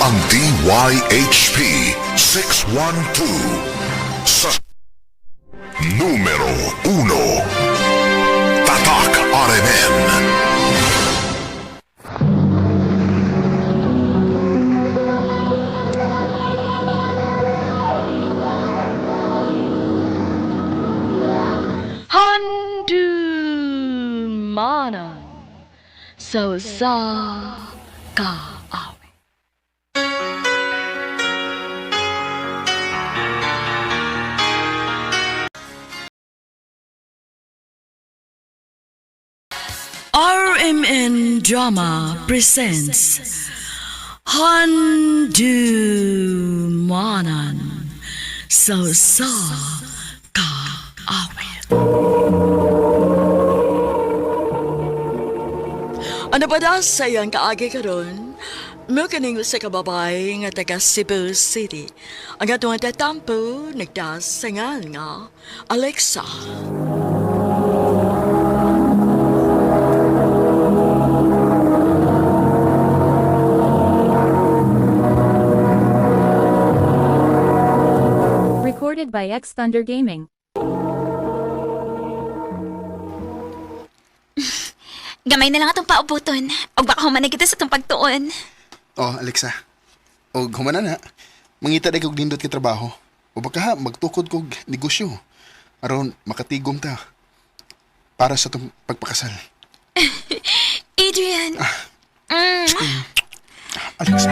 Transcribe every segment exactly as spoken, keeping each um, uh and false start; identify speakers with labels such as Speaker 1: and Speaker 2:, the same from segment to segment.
Speaker 1: ang D Y H P six one two sa numero uno. Tatak R M N.
Speaker 2: Handumanan so sa kaawi. R M N Drama presents Handumanan so sa kaawi. Ano ba da sa iyang kaagi karon? Mukaning sa kababay nga taga Cebu City. Ang atong tatampo nagdas sa ngal nga Alexa.
Speaker 3: Recorded by X Thunder Gaming.
Speaker 4: Gamay na lang atong paubuton. O baka humanay kita sa itong pagtuon.
Speaker 5: Oh, Alexa. O humana na. Mangita na kog nindot ka trabaho. O baka ha, magtukod kog negosyo. Aron makatigom ta. Para sa itong pagpakasal.
Speaker 4: Adrian.
Speaker 5: Ah.
Speaker 4: Mm.
Speaker 5: Alexa.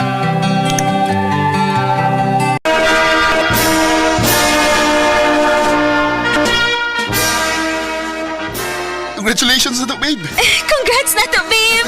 Speaker 5: Congratulations na to, babe!
Speaker 4: Congrats na to, babe!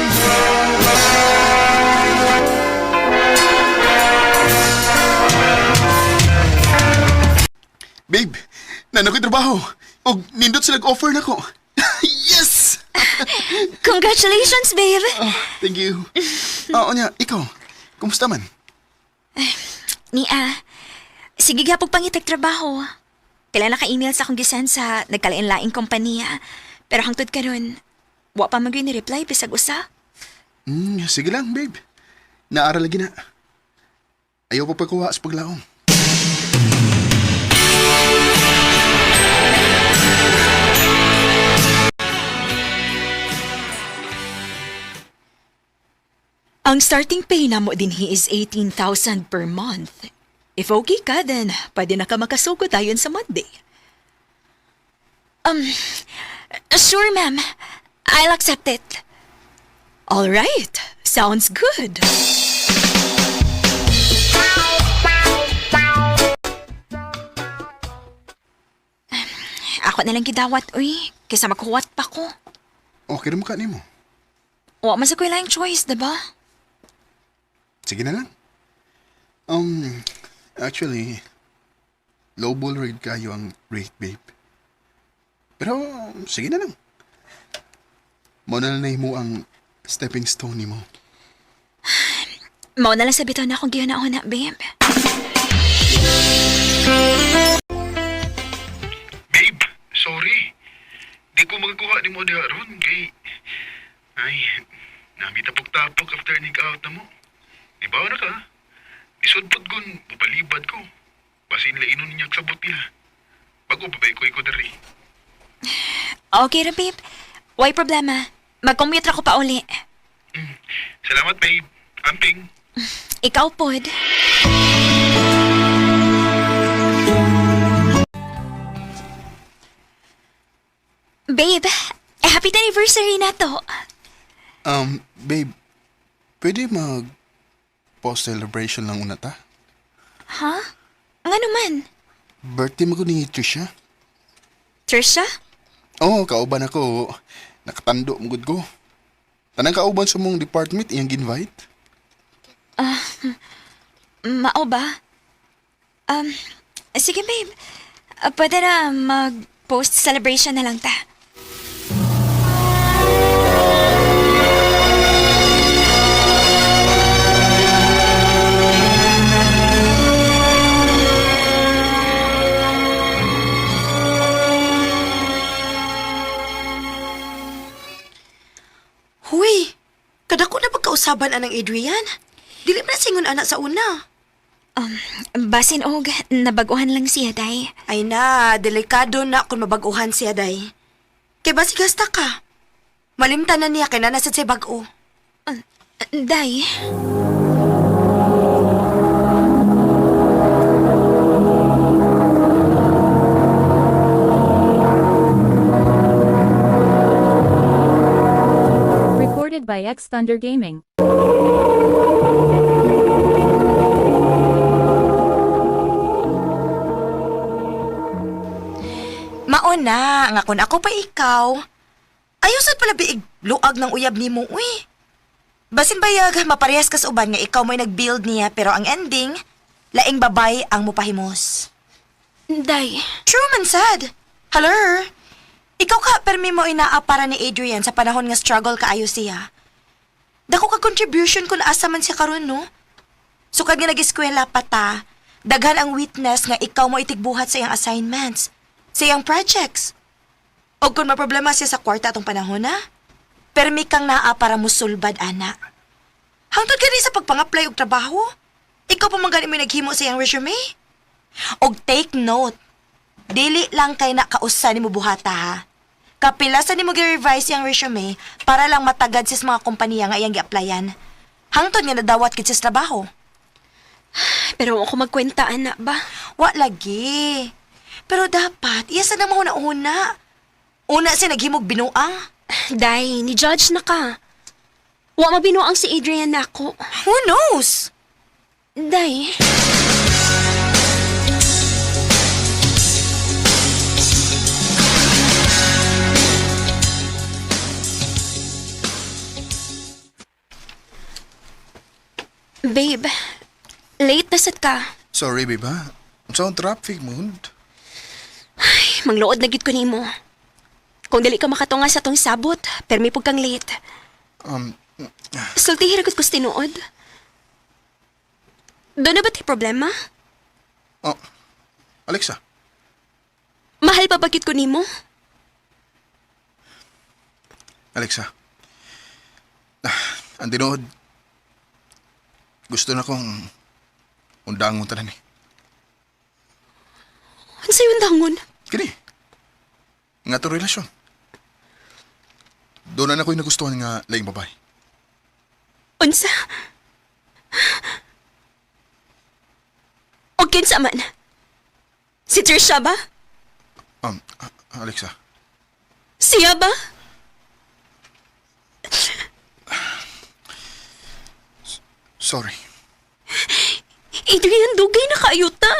Speaker 5: Babe, nanan ko'y trabaho. O nindot sila nag-offer na ko. Yes!
Speaker 4: Congratulations, babe!
Speaker 5: Oh, thank you. Oo niya, ikaw, kumusta man?
Speaker 4: Nia, sige gapog pangitag trabaho. Kailan naka-email sa akong gisan sa nagkalain-laing kompanya. Pero hangtod karon, wa pa magay ni reply bisag usa.
Speaker 5: Hmm, sige lang, babe. Naaral lagi na. Ayaw pa pagkuha sa paglaom.
Speaker 4: Ang starting pay na mo din he is eighteen thousand per month. If okay ka, then pwede na ka makasugod tayon sa Monday. Um, sure, ma'am. I'll accept it. All right. Sounds good. Ako na lang gidawat, uy. Kaysa magkuwat pa ko.
Speaker 5: Okay na mo ka mo.
Speaker 4: Wa man sa ko lang choice, diba?
Speaker 5: Sige na lang. Um, actually, lowball rate kayo ang rate, babe. Pero, sige na lang. Mauna na na mo ang stepping stone ni mo.
Speaker 4: Mao na lang sa bitaw na akong giyanahon na, babe.
Speaker 5: Babe, sorry. Di ko magkuha ni mo diha ron kay... Ay, namitapok-tapok after nig-out na mo. Di ba na ka? Isudpod ko, papalibad ko. Basin lainon niya sabot nila. Bago babay ko iko dari.
Speaker 4: Okay ra, babe. Why problema? Mag-commute ra ko pa uli.
Speaker 5: Mm. Salamat, babe. Amping.
Speaker 4: Ikaw, pod. Babe, eh, happy anniversary na to.
Speaker 5: Um, babe, pwede mag post celebration lang una ta?
Speaker 4: Ha? Nga naman?
Speaker 5: Birthday mo ko ni Trisha.
Speaker 4: Trisha?
Speaker 5: Oo, oh, kauban ako. Nakatando mo gud ko. Tanang kauban sa mong department, iyang ginvite.
Speaker 4: Mao ba? Um, sige, babe. Uh, pwede na mag-post celebration na lang ta.
Speaker 6: Huy, kadako na pagkausaban anang Adrian. Dili man singon anak sa una.
Speaker 4: Um, basin og, nabaguhan lang siya, day.
Speaker 6: Ay na, delikado na kung mabaguhan siya, day. Kay basi gasta ka. Malimtan na niya kay na nasa siya bag-o.
Speaker 4: Day,
Speaker 3: Recorded by X Thunder Gaming.
Speaker 6: Mauna, nga kung ako pa ikaw. Ayusan pala biig luag ng uyab ni mo, uy. Basin bayag, maparehas ka sa uban nga ikaw mo'y nag-build niya pero ang ending, laing babay ang mupahimos.
Speaker 4: day.
Speaker 6: True man sad. Hello? Ikaw ka, permi mo inaa para ni Adrian sa panahon nga struggle kaayo siya. Dako ka contribution kung asa man siya karon no? Sukad nga nag-eskwela pa ta, daghan ang witness nga ikaw mo itigbuhat sa iyang assignments, sa iyang projects. O kung maproblema siya sa kwarta atong panahon na, permi kang naa para musulbad, ana. Hangtod gani sa pagpang-apply og trabaho, ikaw pa man gani mo naghimo sa iyang resume. Og take note, dili lang kay na kausa ni mo buhata ha. Kapilasan ni mo gi-revise yung resume para lang matagad sis mga kompanya nga iyang gi-applyan. Hangtod nga nadawat kit sis trabaho.
Speaker 4: Pero ako magkwenta, anak ba?
Speaker 6: Wa lagi. Pero dapat, iya sa nang una-una. Una siya naghimog binuang.
Speaker 4: Day, ni-judge na ka. Wa mabinuang si Adrian na ako.
Speaker 6: Who knows?
Speaker 4: Day, babe, late na sad ka.
Speaker 7: Sorry, babe, ha? Sa ang traffic mo.
Speaker 4: Manglood na gid ko nimo. Kung dili ka makatunga sa tong sabot, permi pug kang late.
Speaker 7: Um,
Speaker 4: Sulti hiragot ko sa tinuod. Doon na ba tayo problema?
Speaker 7: oh, Alexa,
Speaker 4: Mahal pa bagit ko nimo?
Speaker 7: Alexa. Ah, ang tinood. Gusto na kong undangon tanan eh.
Speaker 4: Ano sa'yo ang dangon?
Speaker 7: Kini. Nga to relasyon. Doon na ako'y nagustuhan nga laing babae.
Speaker 4: Unsa? O kinsa man? Si Trisha ba?
Speaker 7: Um, ah, Alexa.
Speaker 4: Siya ba?
Speaker 7: Sorry.
Speaker 4: Adrian, dugay na kayo ta.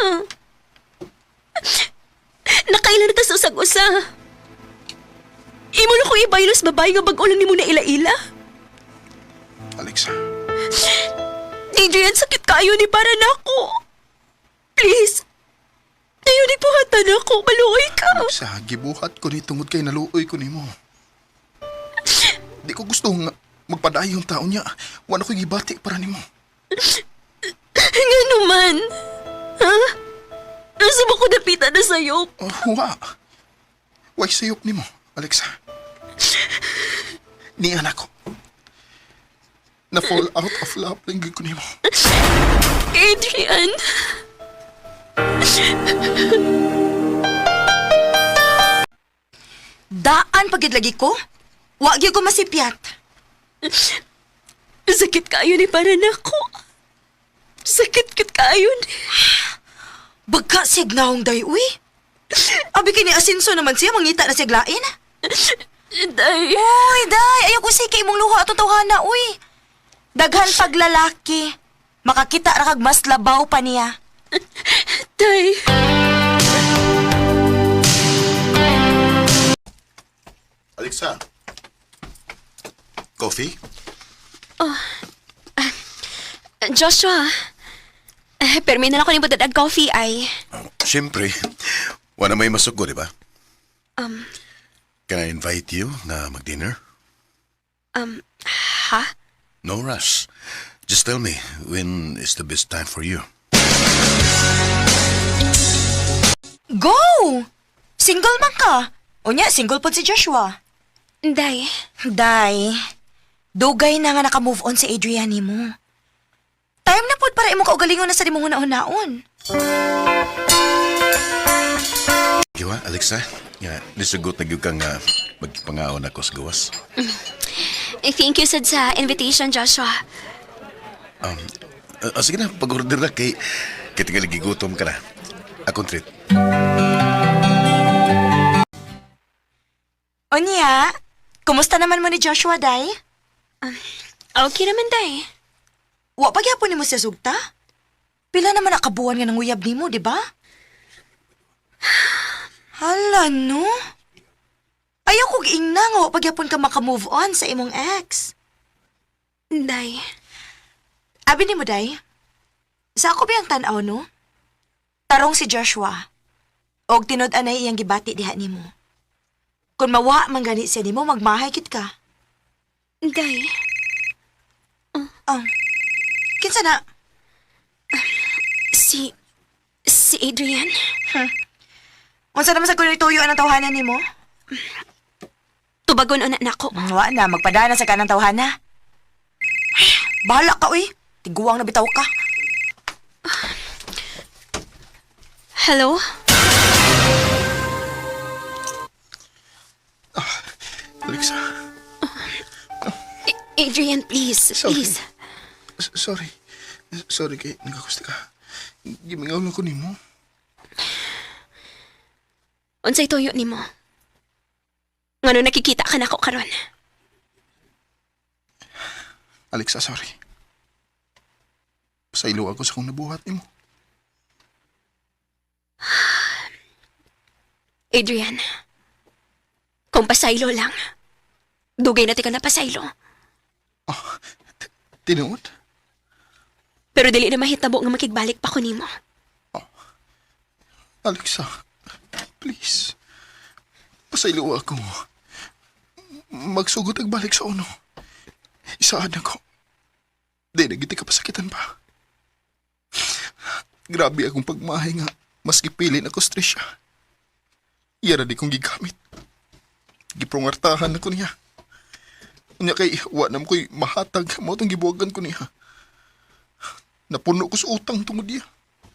Speaker 4: Nakailan na ta sa usag-usa. Imo na ko ibaylos babae nga bag-o lang ni mo na ila-ila.
Speaker 7: Alexa.
Speaker 4: Adrian, sakit kayo ni para na ako. Please. Tayo ni buhatan ako. Maluoy ka.
Speaker 7: Alexa, gibuhat ko ni tungod kay naluoy ko ni mo. Di ko gusto nga magpadayo yung taon niya. Wala ko gibati para ni mo.
Speaker 4: Nga naman. Ha? Nasa ba ko napita na sa'yo?
Speaker 7: Oh, wa. Why sayop ni mo, Alexa? Ni anak ko. Na-fall out of love lang gid ko ni mo.
Speaker 4: Adrian.
Speaker 6: Daan pagid lagi ko? Wa gyud ko masipyat.
Speaker 4: Sakit kayo ni para na ako. Sakit kit kayo ni.
Speaker 6: Bagka signawong day, uy. Abi kini asinso naman siya, mangita na siya glain.
Speaker 4: Day.
Speaker 6: Uy, day, ayaw ko sige imong luha at tawhana, uy. Daghan paglalaki. Makakita ra kag mas labaw pa niya.
Speaker 4: Day.
Speaker 7: Alexa. Coffee?
Speaker 4: Joshua. Eh, permi na lang ko ni budadag coffee ay.
Speaker 1: Siyempre, wala may masugo, di ba?
Speaker 4: Um,
Speaker 1: Can I invite you na mag-dinner?
Speaker 4: um, ha?
Speaker 1: No rush. Just tell me, when is the best time for you?
Speaker 6: Go! Single man ka. O niya, single po si Joshua.
Speaker 4: Day.
Speaker 6: Day, dugay na nga naka-move on si Adrian mo. Sugod para imong kaugalingon na sa dimong hunahon-naon.
Speaker 8: Giwa, Alexa. Nga, nisugot na gyud kang uh, magpangaon ako sa gawas.
Speaker 4: Eh, thank you, sad, sa invitation, Joshua.
Speaker 8: Uh, uh, sige na, pag-order na kay... Kaya tingali gigutom ka na. Akong treat.
Speaker 6: Onya, kumusta naman mo ni Joshua, day?
Speaker 4: Okay naman, day.
Speaker 6: Wa pa gyapon nimo siya sugta? Pila naman nakabuan nga ng uyab nimo, di ba? Hala, no? Ayaw kong ingna nga wa pa gyapon ka makamove on sa imong ex.
Speaker 4: Day.
Speaker 6: Abi nimo, day? Sa ako biyang tanaw, no? Tarong si Joshua. Og tinud-anay iyang gibati diha nimo. Kung mawa man gani siya nimo, magmahay kit ka.
Speaker 4: Day.
Speaker 6: Oh. Kinsa na?
Speaker 4: Si... Si Adrian.
Speaker 6: Unsa naman sa kuno ituyo ang tawhanan nimo?
Speaker 4: Tubagon na nako.
Speaker 6: Wa na, magpadana sa kanang tawhana. Bahala ka, uy. Tiguang na bitaw ka.
Speaker 4: Hello?
Speaker 7: Alexa,
Speaker 4: A- Adrian, please.
Speaker 7: Sorry.
Speaker 4: Please.
Speaker 7: s- sorry. Sorry kay nagakusta ka. Gimingaw lang ko nimo.
Speaker 4: Unsay tuyo nimo? Ngano nakikita ka nako karon?
Speaker 7: Alexa, sorry. Pasaylo ako sa kung nabuhat nimo.
Speaker 4: Adrian, kung pasaylo lang, dugay na ti ka na pasaylo.
Speaker 7: Tinuod?
Speaker 4: Pero dili na mahitabo nga makigbalik pa ko nimo.
Speaker 7: Alexa, please. Pasaylo ako. Magsugod ang balik sa uno. Isaan ako. Di nagiti ka pasakitan pa. Grabe akong pagmahay nga. Mas gipilin ako stress siya. Iyara di kong gigamit. Giprongartahan ako niya. Unya kay wa nam ko'y mahatag. Mao tong gibuwagan ko niya. Napuno ko sa utang tungod niya.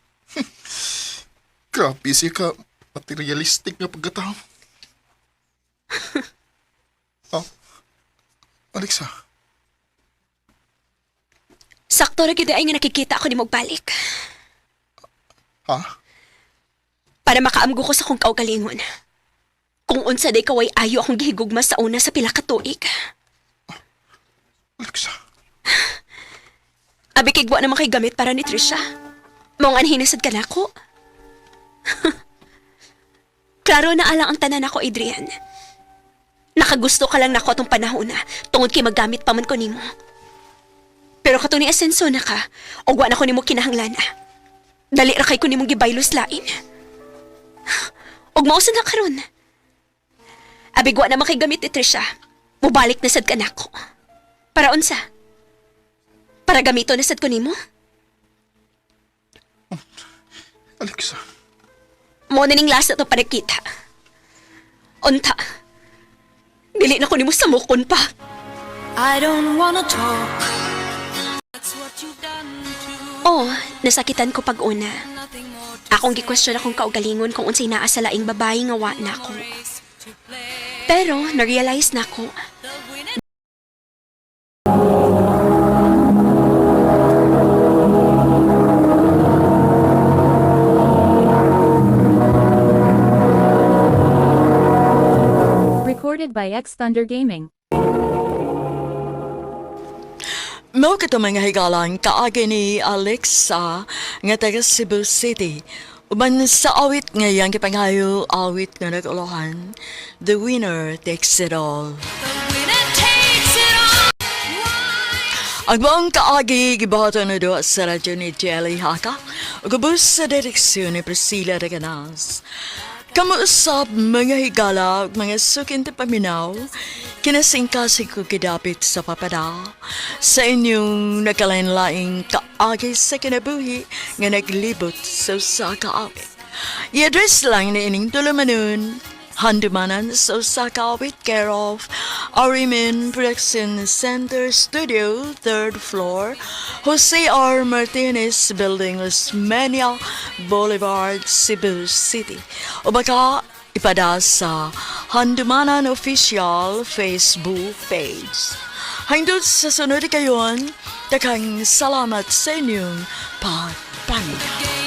Speaker 7: Grabe siya ka materialistic nga pagkatao. Oh, Alexa.
Speaker 4: Sakto ra gyud ay nga nakikita ako nimo balik.
Speaker 7: Ha?
Speaker 4: Para makaamgo ko sa kong kaugalingon. Kung unsa day kaway ayo akong gihigugma sa una sa pila ka tuig.
Speaker 7: Alexa.
Speaker 4: Abi kay gwa naman kay gamit para ni Trisha. Mong anhinasad ka nako. Klaro na alang ang tanan ako, Adrian. Nakagusto ka lang nako atong panahon na tungod kay maggamit pa man ko nimo. Pero katong ni asenso na ka, o gwa na ko nimo kinahanglan. Dali ra kay ko nimong gibaylos lain. Og mausa na karon. Abi gwa naman kay gamit ni Trisha. Mubalik na sad ka nako. Para unsa? Para gamito na sad ko nimo?
Speaker 7: Alexa.
Speaker 4: Mo na ning last na to panagkita. Unta. Dili na ko nimo samukon pa.
Speaker 9: I don't wanna talk.
Speaker 4: Oh, nasakitan ko pag una. Akong gi-question akong kaugalingon kung unsay naa sa laing babae nga wa na ako. Pero na-realize na ko.
Speaker 3: Recorded by X Thunder Gaming.
Speaker 2: Mao kato mga higalan kaagi ni Alexa nga taga Cebu City. Uban sa awit ngayang kipanghayo awit nga nag-ulohan, The Winner Takes It All. Ang buong kaagi gibato na doon sa radyo ni Jelly Haka, ugubos sa direksyon ni Priscilla Reganas. Kamuusap mga higala, mga sukin te paminaw, kinasingkasi ko kidapit sa papada, sa inyong nagkalain-laing kaagi sa kinabuhi nga naglibot sa sa kaawit. I-address lang ni ining tulumanon, Handumanan sa Osaka with care of Arimin Production Center Studio, third floor, Jose R. Martinez Building, Osmeña Boulevard, Cebu City. O baka ipada sa Handumanan Official Facebook page. Hangtod sa sunod kayon, takang salamat sa inyong pagpanig.